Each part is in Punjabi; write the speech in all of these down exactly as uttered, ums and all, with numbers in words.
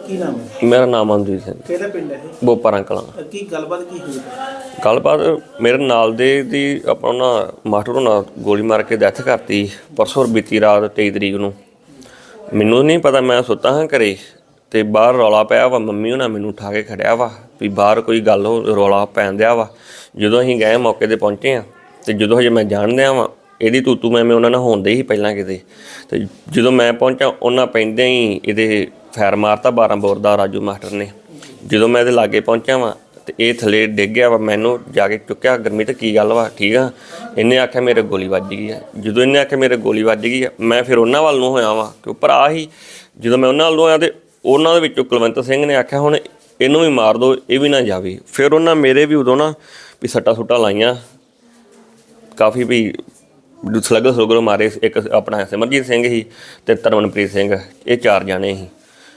ਕੀ ਨਾਮ ਹੈ? ਮੇਰਾ ਨਾਮ ਅਮਨਦੀਪ ਸਿੰਘ। ਕਿਹੜਾ ਪਿੰਡ ਹੈ ਇਹ? ਬੋਪਾਰਾਂ ਕਲਾਂ। ਕੀ ਗੱਲਬਾਤ ਕੀ ਹੋਈ? ਗੱਲਬਾਤ ਮੇਰੇ ਨਾਲ ਦੇ ਦੀ ਆਪਾਂ ਨਾ ਮਾਸਟਰ ਹੋਣਾ ਗੋਲੀ ਮਾਰ ਕੇ ਡੈਥ ਕਰਤੀ ਪਰਸੋਂ ਬੀਤੀ ਰਾਤ ਤੇਈ ਤਰੀਕ ਨੂੰ। ਮੈਨੂੰ ਨਹੀਂ ਪਤਾ, ਮੈਂ ਸੁੱਤਾ ਹਾਂ ਘਰੇ ਅਤੇ ਬਾਹਰ ਰੌਲਾ ਪਿਆ ਵਾ। ਮੰਮੀ ਹੋਣਾ ਮੈਨੂੰ ਉਠਾ ਕੇ ਖੜਿਆ ਵਾ ਵੀ ਬਾਹਰ ਕੋਈ ਗੱਲ ਹੋ ਰੌਲਾ ਪੈਣ ਦਿਆ ਵਾ। ਜਦੋਂ ਅਸੀਂ ਗਏ ਮੌਕੇ 'ਤੇ ਪਹੁੰਚੇ ਹਾਂ ਅਤੇ ਜਦੋਂ ਹਜੇ ਮੈਂ ਜਾਣਦਿਆਂ ਵਾਂ ਇਹਦੀ ਤੂਤੂ ਮੈਂ ਮੈਂ ਉਹਨਾਂ ਨਾਲ ਹੋਣ ਦੇ ਸੀ ਪਹਿਲਾਂ ਕਿਤੇ। ਅਤੇ ਜਦੋਂ ਮੈਂ ਪਹੁੰਚਾ ਉਹਨਾਂ ਪੈਂਦਿਆਂ ਹੀ ਇਹਦੇ ਫੈਰ ਮਾਰਤਾ ਬਾਰਾਂ ਬੋਰ ਦਾ ਰਾਜੂ ਮਾਸਟਰ ਨੇ। ਜਦੋਂ ਮੈਂ ਇਹਦੇ ਲਾਗੇ ਪਹੁੰਚਿਆ ਵਾਂ ਅਤੇ ਇਹ ਥੱਲੇ ਡਿੱਗ ਗਿਆ ਵਾ। ਮੈਨੂੰ ਜਾ ਕੇ ਚੁੱਕਿਆ, ਗੁਰਮੀਤ ਕੀ ਗੱਲ ਵਾ ਠੀਕ ਆ? ਇਹਨੇ ਆਖਿਆ ਮੇਰੇ ਗੋਲੀ ਵੱਜ ਗਈ ਆ। ਜਦੋਂ ਇਹਨੇ ਆਖਿਆ ਮੇਰੇ ਗੋਲੀ ਵੱਜ ਗਈ ਆ ਮੈਂ ਫਿਰ ਉਹਨਾਂ ਵੱਲ ਨੂੰ ਹੋਇਆ ਵਾਂ ਕਿ ਭਰਾ ਹੀ। ਜਦੋਂ ਮੈਂ ਉਹਨਾਂ ਵੱਲ ਨੂੰ ਹੋਇਆ ਅਤੇ ਉਹਨਾਂ ਦੇ ਵਿੱਚੋਂ ਕੁਲਵੰਤ ਸਿੰਘ ਨੇ ਆਖਿਆ ਹੁਣ ਇਹਨੂੰ ਵੀ ਮਾਰ ਦਿਓ, ਇਹ ਵੀ ਨਾ ਜਾਵੇ। ਫਿਰ ਉਹਨਾਂ ਮੇਰੇ ਵੀ ਉਦੋਂ ਨਾ ਵੀ ਸੱਟਾਂ ਸੁੱਟਾਂ ਲਾਈਆਂ ਕਾਫੀ, ਵੀ ਸਲਗਰ ਸਲਗਰ ਮਾਰੇ। ਇੱਕ ਆਪਣਾ ਸਿਮਰਜੀਤ ਸਿੰਘ ਸੀ ਅਤੇ ਤਰਮਨਪ੍ਰੀਤ ਸਿੰਘ, ਇਹ ਚਾਰ ਜਾਣੇ ਸੀ।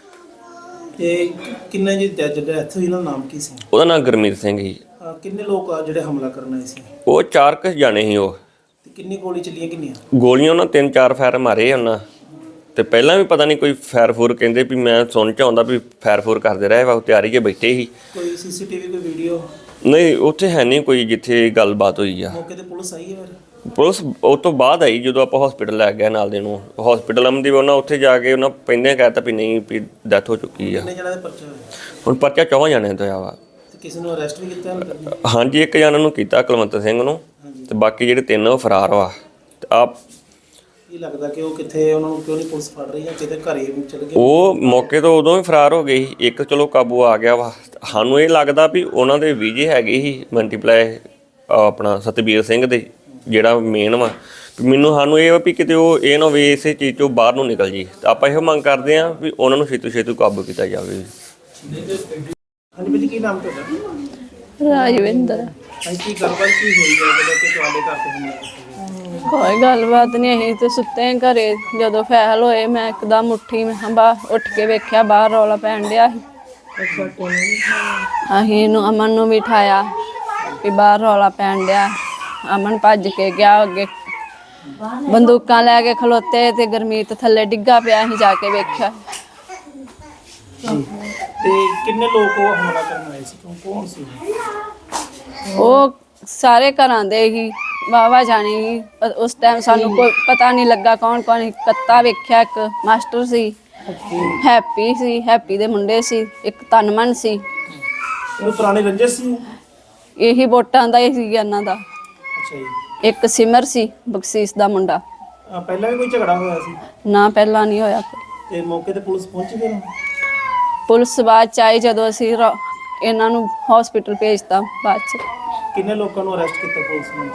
ਤੇ ਕਿੰਨੇ ਜੀ ਡੈਥ ਹੋਈ, ਇਹਨਾਂ ਦਾ ਨਾਮ ਕੀ ਸੀ? ਉਹਦਾ ਨਾਮ ਗੁਰਮੀਤ ਸਿੰਘ ਸੀ। ਕਿੰਨੇ ਲੋਕ ਆ ਜਿਹੜੇ ਹਮਲਾ ਕਰਨ ਆਏ ਸੀ? ਉਹ ਚਾਰ ਕੁ ਜਾਣੇ ਸੀ ਉਹ। ਤੇ ਕਿੰਨੀ ਗੋਲੀ ਚੱਲੀਆਂ? ਕਿੰਨੀਆਂ ਗੋਲੀਆਂ ਉਹਨਾਂ ਤਿੰਨ ਚਾਰ ਫੈਰ ਮਾਰੇ ਉਹਨਾਂ। ਅਤੇ ਪਹਿਲਾਂ ਵੀ ਪਤਾ ਨਹੀਂ ਕੋਈ ਫੈਰ ਫੂਰ ਕਹਿੰਦੇ ਵੀ ਮੈਂ ਸੁਣ 'ਚ ਆਉਂਦਾ ਵੀ ਫੈਰ ਫੂਰ ਕਰਦੇ ਰਹੇ ਵਾ। ਤਿਆਰੀ 'ਚ ਬੈਠੇ ਸੀ। ਕੋਈ ਸੀ ਸੀ ਟੀ ਵੀ ਕੋਈ ਵੀਡੀਓ? ਨਹੀਂ ਉੱਥੇ ਹੈ ਨਹੀਂ ਕੋਈ ਜਿੱਥੇ ਗੱਲਬਾਤ ਹੋਈ ਆ। ਮੌਕੇ 'ਤੇ ਪੁਲਿਸ ਆਈ ਹੈ? ਫਿਰ ਪੁਲਿਸ ਉਹ ਤੋਂ ਬਾਅਦ ਆਈ ਜਦੋਂ ਆਪਾਂ ਹੌਸਪੀਟਲ ਲੈ ਗਏ ਨਾਲ ਦੇ ਨੂੰ। ਹੌਸਪੀਟਲ ਅਮਨਦੀਪ ਉਹਨਾਂ ਉੱਥੇ ਜਾ ਕੇ ਉਹਨਾਂ ਪਹਿਲਾਂ ਕਹਿ ਤਾ ਵੀ ਨਹੀਂ ਵੀ ਡੈਥ ਹੋ ਚੁੱਕੀ ਆ। ਕਿੰਨੇ ਜਣਾਂ ਦੇ ਪਰਚਾ ਹੋਇਆ? ਹੁਣ ਪਰਚਾ ਚੌਹਾਂ ਜਾਣਿਆਂ ਤੋਂ ਆ ਵਾ। ਤੇ ਕਿਸੇ ਨੂੰ ਅਰੈਸਟ ਵੀ ਕੀਤਾ? ਹਾਂਜੀ ਇੱਕ ਜਣਾ ਨੂੰ ਕੀਤਾ ਕੁਲਵੰਤ ਸਿੰਘ ਨੂੰ, ਅਤੇ ਬਾਕੀ ਜਿਹੜੇ ਤਿੰਨ ਉਹ ਫਰਾਰ ਵਾ। ਅਤੇ ਆਪ ਕੀ ਲੱਗਦਾ ਕਿ ਉਹ ਕਿੱਥੇ, ਉਹਨਾਂ ਨੂੰ ਕਿਉਂ ਨਹੀਂ ਪੁਲਿਸ ਫੜ ਰਹੀ ਜਾਂ ਕਿਤੇ ਘਰੇ ਚਲ ਗਏ? ਉਹ ਮੌਕੇ ਤੋਂ ਉਦੋਂ ਹੀ ਫਰਾਰ ਹੋ ਗਏ ਸੀ। ਇੱਕ ਚਲੋ ਕਾਬੂ ਆ ਗਿਆ ਵਾ। ਸਾਨੂੰ ਇਹ ਲੱਗਦਾ ਵੀ ਉਹਨਾਂ ਦੇ ਵੀਜੇ ਹੈਗੇ ਸੀ ਮਲਟੀਪਲਾਈ ਆਪਣਾ ਸਤਬੀਰ ਸਿੰਘ ਦੇ ਜਿਹੜਾ ਮੇਨ ਵਾ। ਮੈਨੂੰ ਸਾਨੂੰ ਇਹ ਵਾ ਵੀ ਕਿਤੇ ਉਹ ਇਹ ਨਾ ਹੋਵੇ ਇਸੇ ਚੀਜ਼ 'ਚੋਂ ਬਾਹਰ ਨੂੰ ਨਿਕਲ ਜੀ। ਤਾਂ ਆਪਾਂ ਇਹੋ ਮੰਗ ਕਰਦੇ ਹਾਂ ਵੀ ਉਹਨਾਂ ਨੂੰ ਛੇਤੂ ਛੇਤੂ ਕਾਬੂ ਕੀਤਾ ਜਾਵੇ। ਹਾਂਜੀ ਭਾਜੀ, ਕੀ ਨਾਮ ਤੁਹਾਡਾ? ਰਾਜਵਿੰਦਰ। ਹਾਂਜੀ, ਕੀ ਗੱਲਬਾਤ ਕੀ ਹੋਈ ਹੈ ਜਦੋਂ ਕਿ ਤੁਹਾਡੇ ਘਰ ਤੇ ਹਮਲਾ ਕੀਤਾ? ਕੋਈ ਗੱਲਬਾਤ ਨਹੀਂ, ਅਸੀਂ ਤੇ ਸੁੱਤੇ ਹਾਂ ਘਰੇ। ਜਦੋਂ ਫੈਲ ਹੋਏ ਮੈਂ ਇੱਕਦਮ ਉੱਠੀ, ਮੈਂ ਬਾਹਰ ਉੱਠ ਕੇ ਵੇਖਿਆ ਬਾਹਰ ਰੌਲਾ ਪੈਣ ਡਿਆ ਸੀ। ਅਸੀਂ ਨੂੰ ਅਮਨ ਨੂੰ ਵੀ ਉਠਾਇਆ ਵੀ ਬਾਹਰ ਰੌਲਾ ਪੈਣ ਡਿਆ। ਅਮਨ ਭੱਜ ਕੇ ਗਿਆ ਅੱਗੇ, ਬੰਦੂਕਾਂ ਲੈ ਕੇ ਖਲੋਤੇ ਤੇ ਗੁਰਮੀਤ ਥੱਲੇ ਡਿੱਗਾ ਪਿਆ। ਅਸੀਂ ਜਾ ਕੇ ਵੇਖਿਆ। ਤੇ ਕਿੰਨੇ ਲੋਕ ਉਹ ਹਮਲਾ ਕਰਨ ਆਏ ਸੀ? ਕੌਣ ਕੌਣ ਸੀ? ਉਹ ਸਾਰੇ ਘਰਾਂ ਦੇ ਹੀ ਵਾਹਵਾ ਜਾਣੀ ਸੀ। ਉਸ ਟਾਈਮ ਸਾਨੂੰ ਕੋਈ ਪਤਾ ਨਹੀਂ ਲੱਗਾ ਕੌਣ ਕੌਣ। ਕੱਤਾ ਵੇਖਿਆ, ਇੱਕ ਮਾਸਟਰ ਸੀ, ਹੈਪੀ ਸੀ, ਹੈਪੀ ਦੇ ਮੁੰਡੇ ਸੀ, ਇੱਕ ਤਨਮਨ ਸੀ। ਉਹ ਪੁਰਾਣੇ ਰੰਜਿਸ਼ ਸੀ? ਇਹੀ ਵੋਟਾਂ ਦਾ ਹੀ ਸੀ ਇਹਨਾਂ ਦਾ। ਅੱਛਾ ਜੀ। ਇੱਕ ਸਿਮਰ ਸੀ ਬਖਸ਼ੀਸ਼ ਦਾ ਮੁੰਡਾ। ਆ, ਪਹਿਲਾਂ ਵੀ ਕੋਈ ਝਗੜਾ ਹੋਇਆ ਸੀ? ਨਾ ਪਹਿਲਾਂ ਨਹੀਂ ਹੋਇਆ। ਤੇ ਮੌਕੇ ਤੇ ਪੁਲਿਸ ਪਹੁੰਚੀ? ਫਿਰ ਪੁਲਿਸ ਬਾਅਦ ਚ ਆਈ ਜਦੋਂ ਅਸੀਂ ਰੋ- ਇਹਨਾਂ ਨੂੰ ਹਸਪੀਟਲ ਭੇਜਤਾ। ਬਾਅਦ ਚ ਕਿੰਨੇ ਲੋਕਾਂ ਨੂੰ ਅਰੈਸਟ ਕੀਤਾ ਪੁਲਿਸ ਨੇ?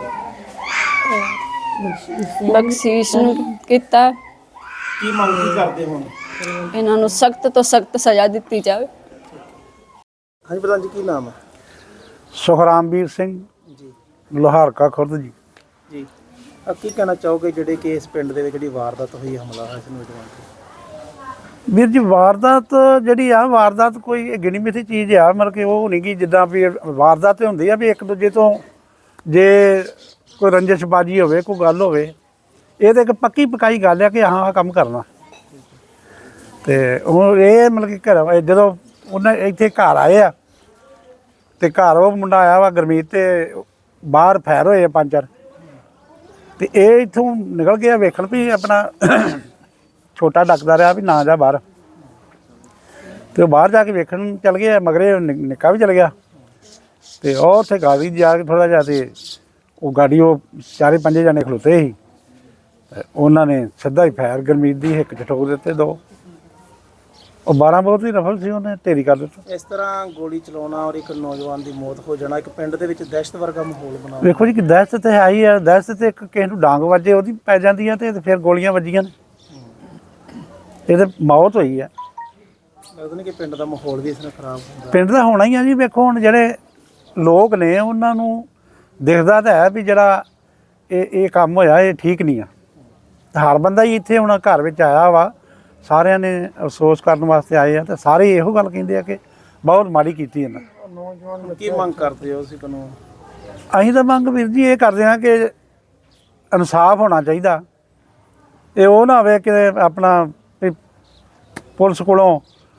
ਬਖਸ਼ੀਸ਼ ਨੂੰ ਕੀਤਾ। ਕੀ ਮੰਗ ਕੀ ਕਰਦੇ ਹੁਣ? ਇਹਨਾਂ ਨੂੰ ਸਖਤ ਤੋਂ ਸਖਤ ਸਜ਼ਾ ਦਿੱਤੀ ਜਾਵੇ। ਹਾਂਜੀ ਪ੍ਰਧਾਨ ਜੀ, ਕੀ ਨਾਮ ਹੈ? ਸੁਖਰਾਮਵੀਰ ਸਿੰਘ ਜੀ ਲੋਹਾਰਕਾ ਖੁਰਦ ਜੀ। ਜੀ ਆ ਕੀ ਕਹਿਣਾ ਚਾਹੋਗੇ ਜਿਹੜੇ ਕਿ ਇਸ ਪਿੰਡ ਦੇ ਵਿੱਚ ਜਿਹੜੀ ਵਾਰਦਾਤ ਹੋਈ, ਹਮਲਾ ਹੋਇਆ ਇਸ ਨੌਜਵਾਨ ਤੇ? ਵੀਰ ਜੀ ਵਾਰਦਾਤ ਜਿਹੜੀ ਆ, ਵਾਰਦਾਤ ਕੋਈ ਗਿਣੀ ਮਿਥੀ ਚੀਜ਼ ਆ। ਮਤਲਬ ਕਿ ਉਹ ਨਹੀਂ ਕਿ ਜਿੱਦਾਂ ਵੀ ਵਾਰਦਾਤ ਹੁੰਦੀ ਆ ਵੀ ਇੱਕ ਦੂਜੇ ਤੋਂ ਜੇ ਕੋਈ ਰੰਜਿਸ਼ਬਾਜੀ ਹੋਵੇ, ਕੋਈ ਗੱਲ ਹੋਵੇ, ਇਹ ਤਾਂ ਇੱਕ ਪੱਕੀ ਪਕਾਈ ਗੱਲ ਆ ਕਿ ਹਾਂ ਆਹ ਕੰਮ ਕਰਨਾ। ਅਤੇ ਹੁਣ ਇਹ ਮਤਲਬ ਕਿ ਘਰ ਜਦੋਂ ਉਹਨਾਂ ਇੱਥੇ ਘਰ ਆਏ ਆ ਅਤੇ ਘਰ ਉਹ ਮੁੰਡਾ ਆਇਆ ਵਾ ਗੁਰਮੀਤ, ਅਤੇ ਬਾਹਰ ਫੈਰ ਹੋਏ ਆ ਪੰਜ ਚਾਰ। ਅਤੇ ਇਹ ਇੱਥੋਂ ਨਿਕਲ ਗਿਆ ਵੇਖਣ ਵੀ ਆਪਣਾ ਛੋਟਾ ਡੱਕਦਾ ਰਿਹਾ ਵੀ ਨਾ ਜਾ ਬਾਹਰ। ਅਤੇ ਉਹ ਬਾਹਰ ਜਾ ਕੇ ਵੇਖਣ ਚੱਲ ਗਏ, ਮਗਰੇ ਨਿੱਕਾ ਵੀ ਚਲ ਗਿਆ। ਅਤੇ ਉਹ ਉੱਥੇ ਗਾੜੀ ਜਾ ਕੇ ਥੋੜ੍ਹਾ ਜਿਹਾ ਅਤੇ ਉਹ ਗਾੜੀ ਉਹ ਚਾਰੇ ਪੰਜੇ ਜਾਣੇ ਖਲੋਤੇ ਸੀ। ਉਹਨਾਂ ਨੇ ਸਿੱਧਾ ਹੀ ਫੈਰ ਗੁਰਮੀਤ ਦੀ ਹਿੱਕ 'ਚ ਠੋਕ ਦਿੱਤੇ ਦੋ। ਉਹ ਬਾਰਾਂ ਬਹੁਤ ਹੀ ਰਫਲ ਸੀ, ਉਹਨੇ ਢੇਰੀ ਕਰ ਦਿੱਤਾ। ਇਸ ਤਰ੍ਹਾਂ ਗੋਲੀ ਚਲਾਉਣਾ ਔਰ ਇੱਕ ਨੌਜਵਾਨ ਦੀ ਮੌਤ ਹੋ ਜਾਣਾ, ਇੱਕ ਪਿੰਡ ਦੇ ਵਿੱਚ ਦਹਿਸ਼ਤ ਵਰਗਾ ਮਾਹੌਲ ਬਣਾ। ਵੇਖੋ ਜੀ ਕਿ ਦਹਿਸ਼ਤ ਤਾਂ ਹੈ ਹੀ ਆ। ਦਹਿਸ਼ਤ ਤੇ ਇੱਕ ਕਿਸੇ ਨੂੰ ਡਾਂਗ ਵੱਜੇ ਉਹਦੀ ਪੈ ਜਾਂਦੀ ਆ, ਅਤੇ ਫਿਰ ਗੋਲੀਆਂ ਵੱਜੀਆਂ ਨੇ, ਇਹ ਤਾਂ ਮੌਤ ਹੋਈ ਆ। ਲੱਗਦਾ ਨਹੀਂ ਕਿ ਪਿੰਡ ਦਾ ਮਾਹੌਲ ਵੀ ਇਸ ਨਾਲ ਖਰਾਬ ਹੁੰਦਾ? ਪਿੰਡ ਦਾ ਹੋਣਾ ਹੀ ਆ ਜੀ। ਵੇਖੋ ਹੁਣ ਜਿਹੜੇ ਲੋਕ ਨੇ ਉਹਨਾਂ ਨੂੰ ਦਿਖਦਾ ਤਾਂ ਹੈ ਵੀ ਜਿਹੜਾ ਇਹ ਇਹ ਕੰਮ ਹੋਇਆ ਇਹ ਠੀਕ ਨਹੀਂ ਆ। ਹਰ ਬੰਦਾ ਹੀ ਇੱਥੇ ਹੁਣ ਘਰ ਵਿੱਚ ਆਇਆ ਵਾ, ਸਾਰਿਆਂ ਨੇ ਅਫਸੋਸ ਕਰਨ ਵਾਸਤੇ ਆਏ ਆ, ਅਤੇ ਸਾਰੇ ਇਹੋ ਗੱਲ ਕਹਿੰਦੇ ਆ ਕਿ ਬਹੁਤ ਮਾੜੀ ਕੀਤੀ ਇਹਨਾਂ। ਨੌਜਵਾਨ ਕੀ ਮੰਗ ਕਰਦੇ ਹੋ ਤੁਸੀਂ ਕਾਨੂੰਨ? ਅਸੀਂ ਤਾਂ ਮੰਗ ਵੀਰ ਜੀ ਇਹ ਕਰਦੇ ਹਾਂ ਕਿ ਇਨਸਾਫ ਹੋਣਾ ਚਾਹੀਦਾ। ਇਹ ਉਹ ਨਾ ਹੋਵੇ ਕਿ ਆਪਣਾ ਵੀ ਪੁਲਿਸ ਕੋਲੋਂ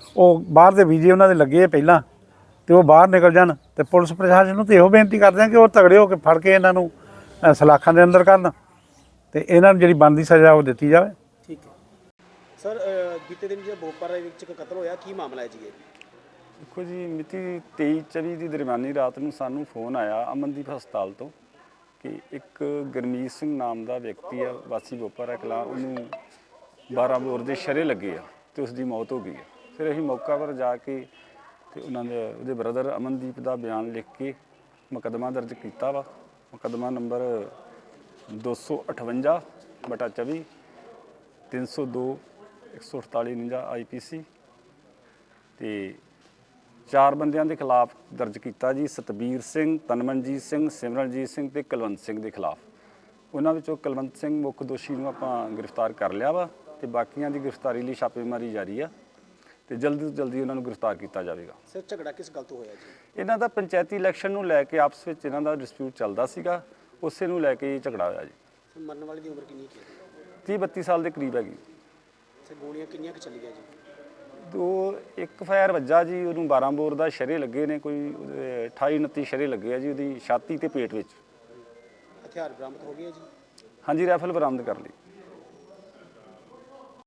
ਉਹ ਬਾਹਰ ਦੇ ਵੀਜ਼ੇ ਉਹਨਾਂ ਦੇ ਲੱਗੇ ਆ ਪਹਿਲਾਂ ਤੇ ਉਹ ਬਾਹਰ ਨਿਕਲ ਜਾਣ। ਤੇ ਪੁਲਿਸ ਪ੍ਰਸ਼ਾਸਨ ਨੂੰ ਤੇ ਇਹੋ ਬੇਨਤੀ ਕਰਦੇ ਆ ਕਿ ਉਹ ਤਗੜੇ ਹੋ ਕੇ ਫੜ ਕੇ ਇਹਨਾਂ ਨੂੰ ਅ, ਸਲਾਖਾਂ ਦੇ ਅੰਦਰ ਕਰਨ ਤੇ ਇਹਨਾਂ ਨੂੰ ਜਿਹੜੀ ਬਣਦੀ ਸਜ਼ਾ ਉਹ ਦਿੱਤੀ ਜਾਵੇ। ਠੀਕ ਹੈ ਸਰ, ਬੀਤੇ ਦਿਨ ਜਿਹੜਾ ਬੋਪਰ ਦੇ ਵਿੱਚ ਇੱਕ ਕਤਲ ਹੋਇਆ, ਕੀ ਮਾਮਲਾ ਹੈ ਜੀ ਇਹ? ਦੇਖੋ ਜੀ, ਮਿਤੀ ਤੇਈ ਚੌਵੀ ਦੀ ਦਰਮਿਆਨੀ ਰਾਤ ਨੂੰ ਸਾਨੂੰ ਫੋਨ ਆਇਆ ਅਮਨਦੀਪ ਹਸਪਤਾਲ ਤੋਂ ਕਿ ਇੱਕ ਗੁਰਮੀਤ ਸਿੰਘ ਨਾਮ ਦਾ ਵਿਅਕਤੀ ਆ, ਵਾਸੀ ਬੋਪਰ ਕਲਾਂ, ਉਹਨੂੰ ਬਾਰਾਂ ਬੋਰ ਦੇ ਸ਼ਰੇ ਲੱਗੇ ਆ ਤੇ ਉਸ ਦੀ ਮੌਤ ਹੋ ਗਈ ਹੈ। ਫਿਰ ਅਸੀਂ ਮੌਕਾ ਪਰ ਜਾ ਕੇ ਤੇ ਉਹਨਾਂ ਦੇ ਉਹਦੇ ਬ੍ਰਦਰ ਅਮਨਦੀਪ ਦਾ ਬਿਆਨ ਲਿਖ ਕੇ ਮੁਕੱਦਮਾ ਦਰਜ ਕੀਤਾ ਵਾ। ਮੁਕੱਦਮਾ ਨੰਬਰ ਦੋ ਸੌ ਅਠਵੰਜਾ ਬਟਾ ਚੌਵੀ ਤਿੰਨ ਸੌ ਦੋ ਇੱਕ ਸੌ ਅਠਤਾਲੀ ਉਣੰਜਾ ਆਈ ਪੀ ਸੀ ਤੇ ਚਾਰ ਬੰਦਿਆਂ ਦੇ ਖਿਲਾਫ ਦਰਜ ਕੀਤਾ ਜੀ। ਸਤਬੀਰ ਸਿੰਘ, ਤਨਮਨਜੀਤ ਸਿੰਘ, ਸਿਮਰਨਜੀਤ ਸਿੰਘ ਤੇ ਕੁਲਵੰਤ ਸਿੰਘ ਦੇ ਖਿਲਾਫ। ਉਹਨਾਂ ਵਿੱਚੋਂ ਕੁਲਵੰਤ ਸਿੰਘ ਮੁੱਖ ਦੋਸ਼ੀ ਨੂੰ ਆਪਾਂ ਗ੍ਰਿਫਤਾਰ ਕਰ ਲਿਆ ਵਾ ਤੇ ਬਾਕੀਆਂ ਦੀ ਗ੍ਰਿਫਤਾਰੀ ਲਈ ਛਾਪੇਮਾਰੀ ਜਾਰੀ ਆ ਤੇ ਜਲਦੀ ਤੋਂ ਜਲਦੀ ਉਹਨਾਂ ਨੂੰ ਗ੍ਰਿਫਤਾਰ ਕੀਤਾ ਜਾਵੇਗਾ। ਸਰ, ਝਗੜਾ ਕਿਸ ਗੱਲ ਤੋਂ ਹੋਇਆ ਜੀ? ਇਹਨਾਂ ਦਾ ਪੰਚਾਇਤੀ ਇਲੈਕਸ਼ਨ ਨੂੰ ਲੈ ਕੇ ਆਪਸ ਵਿੱਚ ਇਹਨਾਂ ਦਾ ਡਿਸਪਿਊਟ ਚੱਲਦਾ ਸੀਗਾ, ਉਸੇ ਨੂੰ ਲੈ ਕੇ ਝਗੜਾ ਹੋਇਆ ਜੀ। ਸਰ, ਮਰਨ ਵਾਲੇ ਦੀ ਉਮਰ ਕਿੰਨੀ ਕੁ ਹੈ? ਤੀਹ ਬੱਤੀ ਸਾਲ ਦੇ ਕਰੀਬ ਹੈਗੀ। ਸਰ, ਗੋਲੀਆਂ ਕਿੰਨੀਆਂ ਕੁ ਚੱਲੀਆਂ ਜੀ? ਦੋ ਇੱਕ ਫਾਇਰ ਵੱਜਾ ਜੀ, ਉਹਨੂੰ ਬਾਰਾਂ ਬੋਰ ਦਾ ਸ਼ਰੇ ਲੱਗੇ ਨੇ, ਕੋਈ ਉਹਦੇ ਅਠਾਈ ਉਨੱਤੀ ਸ਼ਰੇ ਲੱਗੇ ਆ ਜੀ ਉਹਦੀ ਛਾਤੀ ਤੇ ਪੇਟ ਵਿੱਚ। ਹਥਿਆਰ ਬਰਾਮਦ ਹੋ ਗਏ ਜੀ? ਹਾਂਜੀ, ਰਾਈਫਲ ਬਰਾਮਦ ਕਰ ਲਈ।